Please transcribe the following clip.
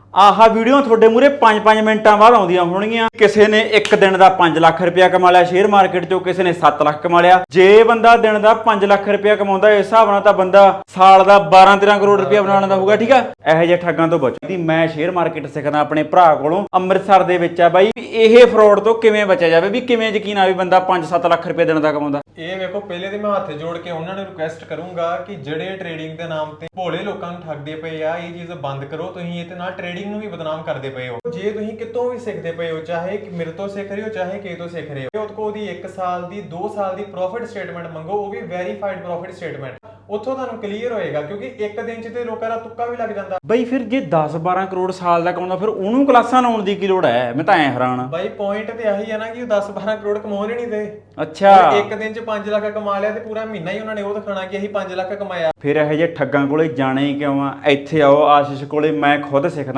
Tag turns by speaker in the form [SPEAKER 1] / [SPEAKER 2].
[SPEAKER 1] ਆਹ ਵੀਡੀਓ ਤੁਹਾਡੇ ਮੂਰੇ 5-5 ਮਿੰਟਾਂ ਬਾਅਦ ਆਉਂਦੀਆਂ ਹੋਣਗੀਆਂ। ਕਿਸੇ ਨੇ ਇੱਕ ਦਿਨ ਦਾ 5 ਲੱਖ ਰੁਪਇਆ ਕਮਾ ਲਿਆ ਸ਼ੇਅਰ ਮਾਰਕੀਟ ਚੋਂ, ਕਿਸੇ ਨੇ 7 ਲੱਖ ਕਮਾ ਲਿਆ। ਜੇ ਬੰਦਾ ਦਿਨ ਦਾ 5 ਲੱਖ ਰੁਪਇਆ ਕਮਾਉਂਦਾ, ਇਸ ਹਿਸਾਬ ਨਾਲ ਤਾਂ ਬੰਦਾ ਸਾਲ ਦਾ 12-13 ਕਰੋੜ ਰੁਪਇਆ ਬਣਾ ਲੈਂਦਾ ਹੋਊਗਾ। ਠੀਕ ਆ, ਇਹੋ ਜਿਹੇ ਠੱਗਾਂ ਤੋਂ ਬਚੋ। ਮੈਂ ਸ਼ੇਅਰ ਮਾਰਕੀਟ ਸਿੱਖਦਾ ਆਪਣੇ ਭਰਾ ਕੋਲੋਂ, ਅੰਮ੍ਰਿਤਸਰ ਦੇ ਵਿੱਚ ਆ ਬਾਈ। ਇਹ ਫਰਾਡ ਤੋਂ ਕਿਵੇਂ ਬਚਿਆ ਜਾਵੇ, ਵੀ ਕਿਵੇਂ ਯਕੀਨ ਆਵੇ ਬੰਦਾ 5-7 ਲੱਖ ਰੁਪਏ ਦਿਨ ਦਾ ਕਮਾਉਂਦਾ।
[SPEAKER 2] ਇਹ ਵੇਖੋ, ਪਹਿਲੇ ਤੇ ਮੈਂ ਹੱਥ ਜੋੜ ਕੇ ਉਹਨਾਂ ਨੂੰ ਰਿਕੁਐਸਟ ਕਰੂੰਗਾ ਕਿ ਜਿਹੜੇ ਟ੍ਰੇਡਿੰਗ ਦੇ ਨਾਮ ਤੇ ਭੋਲੇ ਲੋਕਾਂ ਨੂੰ ਠੱਗਦੇ ਪਏ ਆ, ਇਹ ਚੀਜ਼ ਬੰਦ ਕਰੋ। ਤੁਸੀਂ ਇਹਦੇ ਨਾਲ ਟ੍ਰੇਡਿੰਗ ਨੂੰ ਵੀ ਬਦਨਾਮ ਕਰਦੇ ਪਏ ਹੋ। ਜੇ ਤੁਸੀਂ ਕਿਤੋਂ ਵੀ ਸਿੱਖਦੇ ਪਏ ਹੋ, ਚਾਹੇ ਮੇਰੇ ਤੋਂ ਸਿੱਖ ਰਹੇ ਹੋ, ਚਾਹੇ ਕਿਸੇ ਤੋਂ ਸਿੱਖ ਰਹੇ ਹੋ, ਉਹਦੀ 1 ਸਾਲ ਦੀ 2 ਸਾਲ ਦੀ ਪ੍ਰੋਫਿਟ ਸਟੇਟਮੈਂਟ ਮੰਗੋ, ਉਹ ਵੀ ਵੈਰੀਫਾਈਡ ਪ੍ਰੋਫਿਟ ਸਟੇਟਮੈਂਟ। ਉੱਥੋਂ ਤੁਹਾਨੂੰ ਕਲੀਅਰ ਹੋਏਗਾ, ਕਿਉਂਕਿ ਇੱਕ ਦਿਨ 'ਚ ਤੇ ਲੋਕਾਂ ਦਾ ਤੁੱਕਾ ਵੀ ਲੱਗ ਜਾਂਦਾ।
[SPEAKER 1] ਬਈ ਫਿਰ ਜੇ 10-12 ਕਰੋੜ ਸਾਲ ਦਾ ਕਮਾਉਂਦਾ, ਫਿਰ ਉਹਨੂੰ ਕਲਾਸਾਂ ਲਾਉਣ ਦੀ ਕੀ ਲੋੜ ਹੈ? ਮੈਂ ਤਾਂ ਐ ਹੈਰਾਨ।
[SPEAKER 2] ਬਾਈ ਪੁਆਇੰਟ ਤੇ ਆਹੀ ਹੈ ਨਾ ਕਿ ਉਹ 10-12 ਕਰੋੜ ਕਮਾਉਣ ਹੀ ਨਹੀਂ ਦੇ।
[SPEAKER 1] ਅੱਛਾ,
[SPEAKER 2] ਇੱਕ ਦਿਨ 'ਚ 5 ਲੱਖ ਕਮਾ ਲਿਆ ਤੇ ਪੂਰਾ ਮਹੀਨਾ ਹੀ ਉਹਨਾਂ ਨੇ ਉਹ ਦਿਖਾਣਾ ਕਿ ਅਸੀਂ 5 ਲੱਖ ਕਮਾਇਆ।
[SPEAKER 1] ਫਿਰ ਇਹੋ ਜਿਹੇ ਠੱਗਾਂ ਕੋਲੇ ਜਾਣਾ ਹੀ ਕਿਉਂ ਆ? ਇੱਥੇ ਆਓ ਆਸ਼ੀਸ਼ ਕੋਲੇ, ਮੈਂ ਖੁਦ ਸਿੱਖਦਾ।